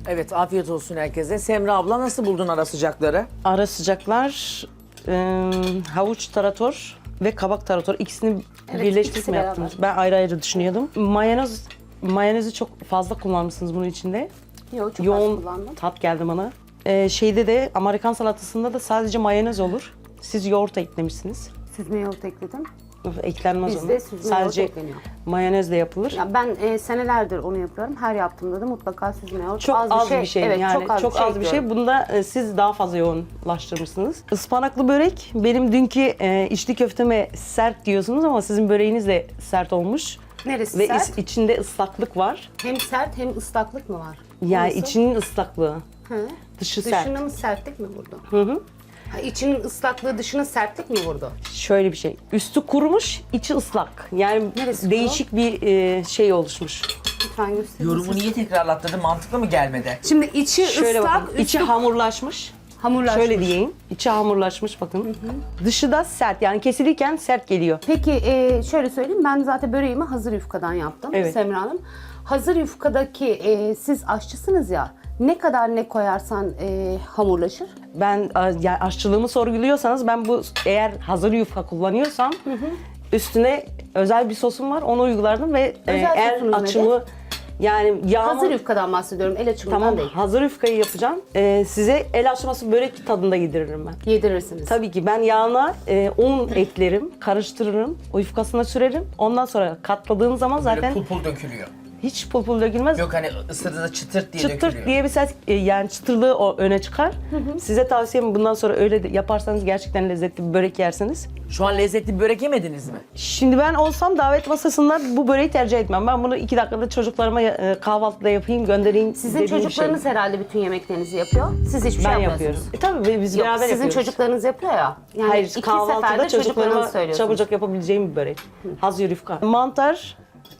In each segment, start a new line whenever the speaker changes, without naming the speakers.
Evet, afiyet olsun herkese. Semra abla nasıl buldun ara sıcakları?
Ara sıcaklar, havuç tarator ve kabak tarator ikisini birleştirip
ikisi
mi
beraber.
yaptınız? Ben ayrı ayrı düşünüyordum. Mayonezi çok fazla kullanmışsınız bunun içinde.
Yok, çok az
Yoğun
kullandım.
tat geldi bana. Şeyde de Amerikan salatasında da sadece mayonez olur. Siz yoğurt eklemişsiniz.
Süzme yoğurt ekledim.
Eklenmez
Bizde
ona.
süzme
Sadece
yoğurt ekleniyor.
mayonezle yapılır.
Ya ben senelerdir onu yapıyorum. Her yaptığımda da mutlaka süzme yoğurt.
Çok az bir şey,
Evet,
yani
çok az bir şey.
bir şey. Bunda siz daha fazla yoğunlaştırmışsınız. Ispanaklı börek, benim dünkü içli köfteme sert diyorsunuz ama sizin böreğiniz de sert olmuş.
Neresi
Ve
sert?
içinde ıslaklık var.
Hem sert hem ıslaklık mı var?
Yani
Nasıl?
içinin ıslaklığı,
Hı.
dışı sert.
Dışının sertlik mi vurdu?
Hı hı.
Ha, içinin ıslaklığı dışına sertlik mi vurdu?
Şöyle bir şey, üstü kurumuş, içi ıslak. Yani
Neresi
değişik bir şey oluşmuş.
Lütfen gösterin.
Yorumu niye tekrarlattırdın? Mantıklı mı gelmedi?
Şimdi içi
Şöyle
ıslak,
bakın, içi hamurlaşmış.
hamurlaşmış.
Şöyle diyeyim, içi hamurlaşmış bakın. Dışı da sert, yani kesilirken sert geliyor.
Peki şöyle söyleyeyim, ben zaten böreğimi hazır yufkadan yaptım
Evet.
Semra Hanım. Hazır yufkadaki siz aşçısınız ya, ne kadar ne koyarsan hamurlaşır.
Ben yani aşçılığımı sorguluyorsanız ben bu eğer hazır yufka kullanıyorsam üstüne özel bir sosum var, onu uygulardım ve
Özel
eğer
sosunuz
açımı yani yağımı
Hazır yufkadan bahsediyorum, el açımından
tamam
değil.
hazır yufkayı yapacağım. Size el açması börek tadında yediririm ben.
Yedirirsiniz.
Tabii ki ben yağına un eklerim, karıştırırım, o yufkasına sürerim. Ondan sonra katladığım zaman
Böyle
zaten
pul pul dökülüyor.
hiç pul pul dökülmez.
Yok hani ısırdığında çıtırt diye
Çıtırt
dökülüyor.
diye bir ses, yani çıtırlığı o öne çıkar. Size tavsiyem bundan sonra öyle de yaparsanız gerçekten lezzetli bir börek yersiniz.
Şu an lezzetli bir börek yemediniz mi?
Şimdi ben olsam davet masasında bu böreği tercih etmem. Ben bunu 2 dakikada çocuklarıma kahvaltıda yapayım, göndereyim.
Sizin
dediğim bir
çocuklarınız herhalde bütün yemeklerinizi yapıyor. Siz hiçbir
şey.
şey
Ben
yapmıyorsunuz.
yapıyorum. Tabii biz
Yok,
beraber
sizin
yapıyoruz.
çocuklarınız yapıyor ya. Yani
Hayır,
iki
kahvaltıda
seferde
çocuklarıma
çocuklarınız söylüyorsunuz.
çabucak yapabileceğim bir börek. Hazır yufka. Mantar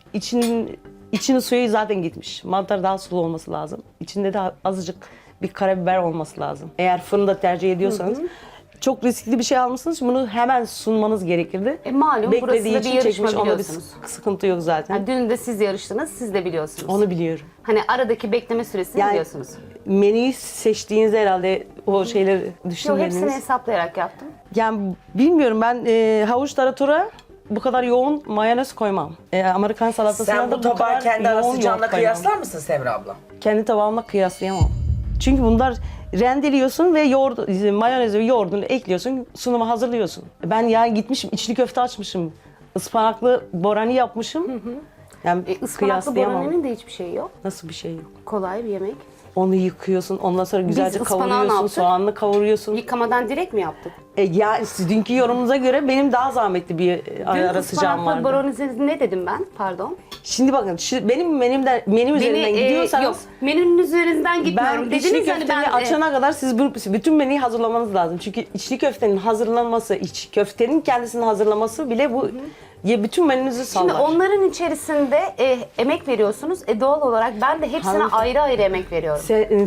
içinin suyu zaten gitmiş. Mantar daha sulu olması lazım. İçinde de azıcık bir karabiber olması lazım. Eğer fırında tercih ediyorsanız. Çok riskli bir şey almışsınız. Bunu hemen sunmanız gerekirdi.
Malum burası
Beklediği
da
için
bir yarışma
çekmiş. Onda bir
biliyorsunuz.
sıkıntı yok zaten.
Yani dün de siz yarıştınız, siz de biliyorsunuz.
Onu biliyorum.
Hani aradaki bekleme süresini
Yani
biliyorsunuz.
menüyü seçtiğinizde herhalde o şeyleri
Yok, hepsini
düşünmediniz.
hesaplayarak yaptım.
Yani bilmiyorum, ben havuç taratora bu kadar yoğun mayonez koymam. Amerikan salatasına
Sen
da
bu tabağı
kadar
kendi ara
yoğun
sıcağınla
yoğurt koymam.
kıyaslar mısın Semra abla?
Kendi tabağımla kıyaslayamam. Çünkü bunlar rendeliyorsun ve mayonezi ve yoğurdunu ekliyorsun, sunuma hazırlıyorsun. Ben ya gitmişim içli köfte açmışım, ıspanaklı borani yapmışım. Yani
Ispanaklı
kıyaslayamam.
boraninin de hiçbir şeyi yok.
Nasıl bir şey yok?
Kolay bir yemek.
Onu yıkıyorsun, ondan sonra güzelce
ıspanağı ne
kavuruyorsun,
yaptık?
soğanlı kavuruyorsun.
Yıkamadan direkt mi yaptık?
Ya sizin yorumunuza göre benim daha zahmetli bir
Dün
ara sıcağım
ıspanaklı
vardı.
boraninizi ne dedim ben? Pardon.
Şimdi bakın benim menü üzerinden gidiyorsanız
yok, menünün üzerinden gitmiyorum.
ben içli
Dediniz hani
köftemi
ben
açana kadar siz bütün menüyü hazırlamanız lazım. Çünkü içli köftenin hazırlanması, köftenin kendisini hazırlaması bile bu bütün menünüzü
Şimdi
sallar.
onların içerisinde emek veriyorsunuz. Doğal olarak ben de hepsine
Hanımefendi-
ayrı ayrı emek veriyorum.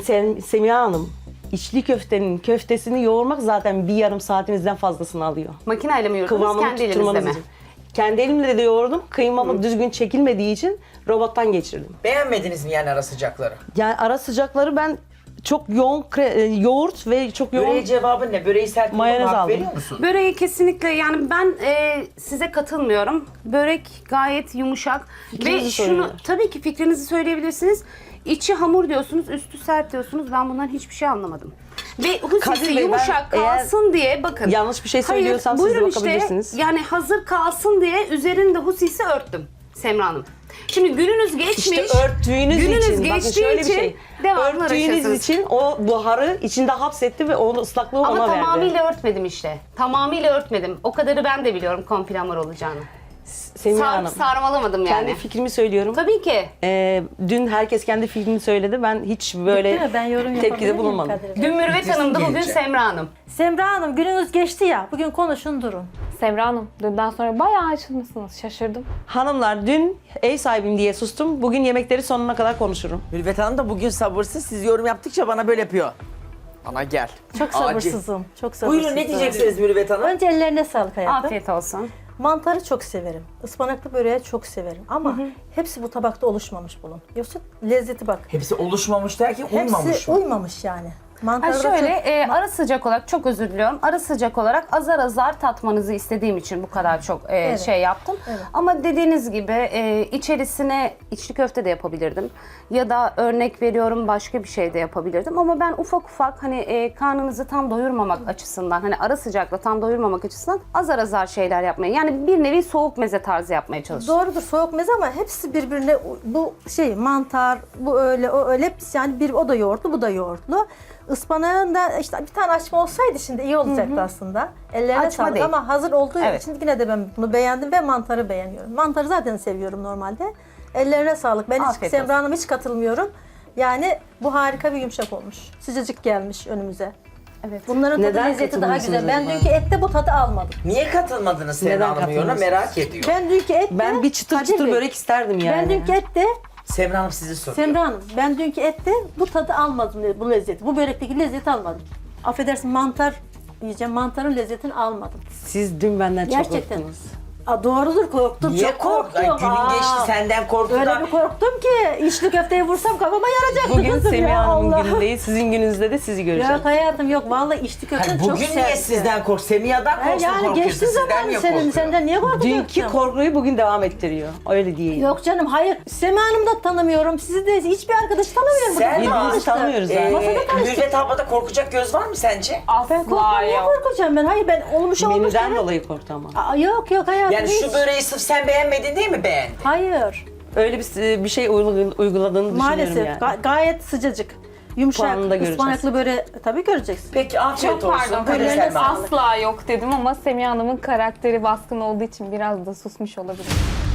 Semiha Hanım, içli köftenin köftesini yoğurmak zaten bir yarım saatinizden fazlasını alıyor.
Makineyle mi yoğurdunuz,
Kıvamını
kendi elinizle
tutturmanız
mi?
için. Kendi elimle de yoğurdum. Kıymamı düzgün çekilmediği için robottan geçirdim.
Beğenmediniz mi yani ara sıcakları?
Yani ara sıcakları ben çok yoğun yoğurt ve çok yoğun
Böreğe cevabın ne? Böreği sert bulduğuna
Mayonez
hak
aldım.
veriyor musun?
Böreği kesinlikle, yani ben size katılmıyorum. Börek gayet yumuşak.
Fikrinizi
Ve şunu
söyleyin.
tabii ki fikrinizi söyleyebilirsiniz. İçi hamur diyorsunuz, üstü sert diyorsunuz. Ben bundan hiçbir şey anlamadım. Ve
Kadir
husisi
Bey, ben
yumuşak
eğer
kalsın diye bakın.
yanlış bir şey söylüyorsam siz de
buyurun
bakabilirsiniz.
yani hazır kalsın diye üzerinde husisi örttüm Semra Hanım. Şimdi gününüz geçmiş.
İşte örttüğünüz
gününüz
için, bakın
geçtiği
şöyle bir
için
şey.
devamlı
Örttüğünüz
uğraşıyorsunuz.
için o buharı içinde hapsetti ve onun ıslaklığı
Ama
ona verdi.
tamamıyla örtmedim işte. Tamamıyla örtmedim. O kadarı ben de biliyorum konfil hamur olacağını.
Semiha Hanım,
Sarmalamadım yani.
kendi fikrimi söylüyorum.
Tabii ki.
Dün herkes kendi fikrini söyledi. Ben hiç böyle
Değil mi? Ben yorum yapabilir
tepkide
miyim
bulunmadım.
Kadir Bey?
Dün Mürüvvet Hanım'dı, bugün
gelince.
Semra Hanım.
Semra Hanım, gününüz geçti ya. Bugün konuşun durun.
Semra Hanım, dünden sonra bayağı açılmışsınız. Şaşırdım.
Hanımlar, dün ev sahibim diye sustum. Bugün yemekleri sonuna kadar konuşurum.
Mürvet Hanım da bugün sabırsız. Siz yorum yaptıkça bana böyle yapıyor. Bana gel.
Çok
Acil.
sabırsızım. Çok sabırsızım.
Buyurun ne diyeceksiniz Mürvet Hanım?
Önce ellerine sağlık hayatım.
Afiyet olsun.
Mantarı çok severim. Ispanaklı böreği çok severim. Ama hepsi bu tabakta oluşmamış bunun. Yoksa lezzeti bak.
Hepsi oluşmamış derken uymamış
Hepsi
mı?
uymamış yani.
Ha
Mantarı da
şöyle
çok-
ara sıcak olarak çok özür diliyorum. Ara sıcak olarak azar azar tatmanızı istediğim için bu kadar çok şey yaptım.
Evet.
Ama dediğiniz gibi içerisine içli köfte de yapabilirdim. Ya da örnek veriyorum başka bir şey de yapabilirdim. Ama ben ufak ufak hani karnınızı tam doyurmamak açısından hani ara sıcakla tam doyurmamak açısından azar azar şeyler yapmaya yani bir nevi soğuk meze tarzı yapmaya çalıştım.
Doğrudur soğuk meze ama hepsi birbirine bu şey mantar bu öyle o öyle hepsi yani bir o da yoğurtlu bu da yoğurtlu. Ispanağın da işte bir tane açma olsaydı şimdi iyi olacaktı aslında. Ellerine
Açma
sağlık
değil.
ama hazır olduğu
Evet.
için yine de ben bunu beğendim ve mantarı beğeniyorum. Mantarı zaten seviyorum normalde. Ellerine sağlık. Ben hiç
Afiyet
Semra Hanım'a hiç katılmıyorum. Yani bu harika bir yumuşak olmuş. Sıcacık gelmiş önümüze.
Evet.
Bunların tadı
Neden
lezzeti daha güzel. Ben
katılmıyorsunuz
dünkü ette bu tadı almadım.
Niye katılmadınız
Neden
Semra Hanım yoruna
katılmıyorsunuz?
merak ediyor.
Ben dünkü ette
Ben bir çıtır
Kadir
çıtır
Bey,
börek isterdim yani.
Ben dünkü ette
Semra Hanım sizi soruyor.
Semra Hanım, ben dünkü ette bu tadı almadım, bu lezzeti. Bu börekteki lezzeti almadım. Affedersin mantar yiyeceğim, mantarın lezzetini almadım.
Siz dün benden çok
Gerçekten.
korktunuz.
Doğrudur korktum,
Niye
çok korktum.
Ay, günün geçti
Aa,
senden korktu
Öyle
da.
bir korktum ki içli köfteye vursam kafama yaracaktı
Bugün
kızım
Semih
ya
Hanım'ın
Allah.
günü değil, sizin gününüzde de sizi göreceğim.
Yok hayatım yok, vallahi içli köfte
Hayır,
çok
bugün
sertti.
niye sizden kork? Semiha'dan korksun
Yani
korkuyorsun.
geçti
Sizden
zaman
niye
senin,
korkuyor?
senden niye korkacaktım?
Dünkü korkuyu bugün devam ettiriyor. Öyle diyeyim.
Yok canım hayır, Sema Hanım'ı da tanımıyorum, sizi de hiçbir arkadaşı tanımıyorum.
Sen
Burada
Birbirimizi
tanıştık.
tanımıyoruz zaten.
Masada tanıştık.
Mürvet ablada korkacak göz var mı sence?
Ben
Asla
korkmam, niye
yok.
korkacağım ben? Hayır ben olmuş
Menüden
evet.
dolayı korktu ama.
Yok hayatım
Yani
hiç.
şu böreği sırf sen beğenmedin değil mi beğendin?
Hayır.
Öyle bir şey uyguladığını
Maalesef
düşünüyorum yani.
gayet sıcacık. Yumuşak,
Puanını da göreceğiz.
ıspanaklı böyle tabii göreceksin.
Peki afiyet
Çok
olsun.
pardon.
Hadi
Böyle
Selma Hanım.
asla yok dedim ama Semih Hanım'ın karakteri baskın olduğu için biraz da susmuş olabilir.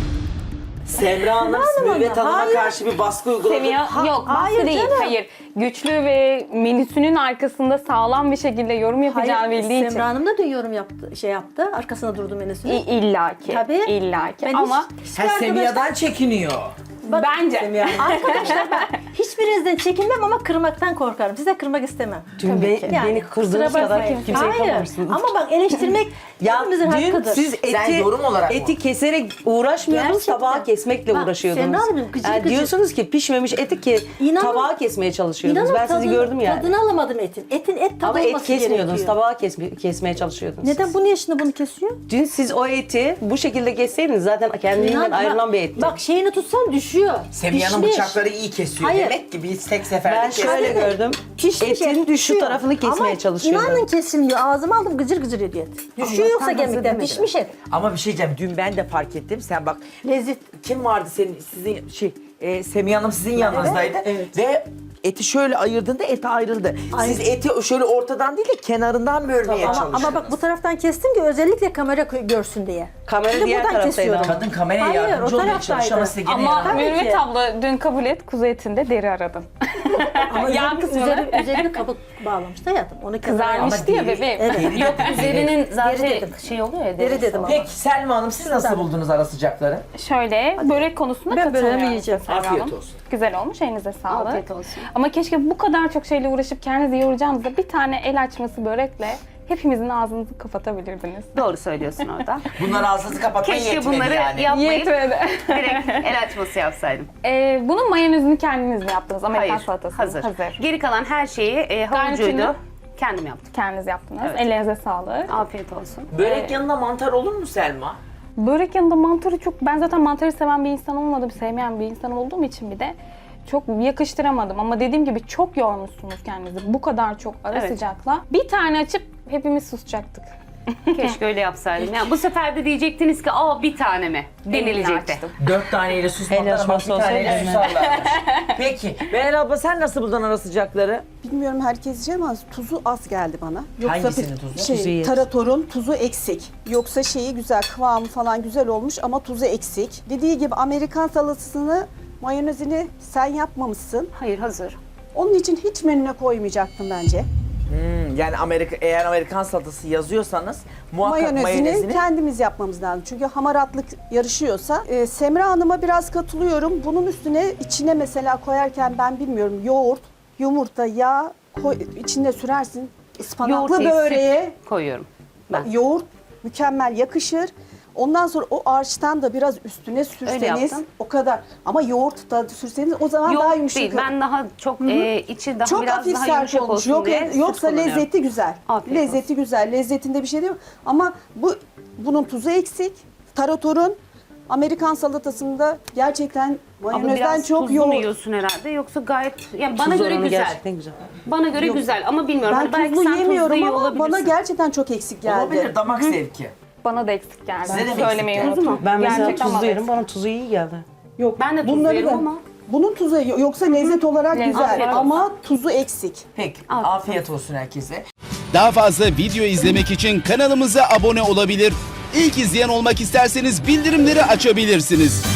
Semra Hanım Mürvet Hanım'a
Hayır.
karşı bir baskı uyguladı.
Semih yok baskı
hayır
değil.
canım.
Hayır. Güçlü ve menüsünün arkasında sağlam bir şekilde yorum yapacağını bildiği için.
Semra Hanım da dün yorum yaptı, şey yaptı. Arkasına durdu menüsünü.
İllaki.
Tabii.
İllaki.
Ben
Ama
Sen Semiha'dan çekiniyor.
bence.
Arkadaşlar ben hiçbirinizden çekinmem ama kırmaktan korkarım. Size kırmak istemem.
Dün
Yani,
beni kırdığınız
kusura
kadar
bakmayın.
kimseyi
Hayır.
kırmamışsınız.
Ama bak eleştirmek
Ya
hepimizin
dün
hakkıdır.
siz
Sen yorum olarak mı?
eti keserek uğraşmıyordunuz,
Gerçekten.
tabağı kesmekle
Bak,
uğraşıyordunuz.
Semra Hanımcığım, gıcır gıcır.
Diyorsunuz ki pişmemiş eti ki
İnanın-
tabağı kesmeye çalışıyordunuz.
İnanın
Ben sizi gördüm yani.
Tadını alamadım etin. Etin et tadı
Ama et
olması
kesmiyordunuz,
gerekiyor.
tabağı kesmeye çalışıyordunuz.
Neden
siz.
bu niye şimdi bunu kesiyor?
Dün siz o eti bu şekilde kesseydiniz zaten kendinden
İnan,
ayrılan bir etti.
Bak şeyini tutsan düşüyor.
Semiha'nın
Pişmiş.
bıçakları iyi kesiyor.
Hayır.
Demek ki biz tek seferde
Ben
kestik.
şöyle gördüm.
Pişmiş
Etin
et düşüyor.
şu tarafını kesmeye
Ama
çalışıyordum.
inanın kesilmiyor. Ağzıma aldım gıcır gıcır ediyor et. Düşüyor yoksa
hazır
kemikten.
demedim.
Pişmiş et.
Ama bir şey diyeceğim. Dün ben de fark ettim. Sen bak
Lezzet.
kim vardı sizin Semih Hanım sizin yanınızdaydı. Ve eti şöyle ayırdığında eti ayrıldı. Siz eti şöyle ortadan değil de kenarından bölmeye çalıştınız.
Ama bak bu taraftan kestim ki özellikle kamera görsün diye.
Kamera
Şimdi
diğer
buradan
taraftaydı
kesiyorum.
ama.
Kadın kameraya
Hayır,
yardımcı
o
olmaya çalışıyor ama
taraftaydı.
size gene
Ama
yardımcı.
Tabii
Mürvet
ki.
abla dün kabul et kuzu etinde deri aradım.
Ama
Yan kısmını
üzerine kabuk bağlamıştı hayatım. Onu
kızarmıştı ya
deri-
bebeğim.
Evet.
Yok
Üzerinin zaten
Deri dedim.
şey oluyor ya.
Deri dedim ama.
Peki Selma Hanım siz nasıl buldunuz ara sıcakları?
Şöyle börek konusunda
Ben
katılıyorum.
böreğimi yiyeceğim.
Serra
Afiyet
Hanım.
olsun.
Güzel olmuş, elinize sağlık.
Afiyet olsun.
Ama keşke bu kadar çok şeyle uğraşıp kendinizi yoracağınızda bir tane el açması börekle hepimizin ağzınızı kapatabilirdiniz.
Doğru söylüyorsun orada.
Bunlar ağzınızı kapatmaya
Keşke
yetmedi
bunları
yani.
yapmayıp
Yetmedi.
direkt el açması yapsaydım.
Bunun mayonezini kendiniz mi yaptınız? Amerikan
Hayır,
salatası.
hazır.
Hazır.
Geri kalan her şeyi havucuydu.
Garnitürünü?
Kendim yaptım.
Kendiniz yaptınız.
Evet.
Ellerinize sağlık.
Afiyet olsun.
Börek yanında mantar olur mu Selma?
Börek yanında mantarı çok... Ben zaten mantarı seven bir insan olmadım, sevmeyen bir insan olduğum için bir de çok yakıştıramadım. Ama dediğim gibi çok yormuşsunuz kendinizi. Bu kadar çok ara
Evet.
sıcakla. Bir tane açıp hepimiz susacaktık.
Keşke öyle yapsaydım. Ya bu sefer de diyecektiniz ki bir tane mi? Denilecekti.
açtım.
4 taneyle susmadılar
El
ama bir
açması
taneyle
olsaydı
susarlarmış. Peki Meral abla sen nasıl buldun ara sıcakları?
Bilmiyorum herkes yiyecek ama tuzu az geldi bana.
Hangisinin tuzu?
Tuzu iyi.
Taratorun tuzu eksik. Yoksa şeyi güzel, kıvamı falan güzel olmuş ama tuzu eksik. Dediği gibi Amerikan salatasını, mayonezini sen yapmamışsın.
Hayır hazır.
Onun için hiç menüne koymayacaktım bence.
Yani eğer Amerikan salatası yazıyorsanız muhakkak mayonezini...
kendimiz yapmamız lazım. Çünkü hamaratlık yarışıyorsa. Semra Hanım'a biraz katılıyorum. Bunun üstüne içine mesela koyarken ben bilmiyorum yoğurt, yumurta, yağ içinde sürersin. Ispanaklı
Yoğurt değil,
böreğe
süt koyuyorum. Ben.
yoğurt mükemmel yakışır. Ondan sonra o harçtan da biraz üstüne sürseniz
yaptım.
o kadar. Ama yoğurt da sürseniz o zaman daha
Yok
yumuşak.
değil. Ben daha çok içi daha
Çok
biraz
hafif
daha
sert
yumuşak
olmuş.
olsun
Yok,
diye süt
yoksa
kullanıyorum.
lezzeti güzel.
Afiyet
lezzeti güzel. Lezzetinde bir şey değil mi? Ama bunun tuzu eksik. Taratorun Amerikan salatasında gerçekten
Ama
mayonezden
biraz
çok
tuzlu mu
yoğurt.
yiyorsun herhalde yoksa gayet yani bana
Tuz
göre
oranı
güzel.
Gerçekten güzel.
Bana göre güzel ama bilmiyorum.
Ben
Hani belki
tuzlu
sen
yemiyorum
tuzlu yiyor
ama bana
olabilirsin.
gerçekten çok eksik geldi.
Olabilir, damak zevki.
Bana da eksik geldi.
Size de mi eksik
Söylemeyi
geldi?
unuttum.
Ben mesela
Gerçekten
tuzlu
bana
yerim,
eksik.
bana tuzu iyi geldi.
Yok.
Ben de tuzlu
bunları
yerim
da-
ama.
Bunun tuzu yoksa lezzet olarak
Lezzet
güzel
olarak.
ama tuzu eksik.
Peki,
Afiyet
afiyet olsun herkese.
Daha fazla video izlemek için kanalımıza abone olabilir. İlk izleyen olmak isterseniz bildirimleri açabilirsiniz.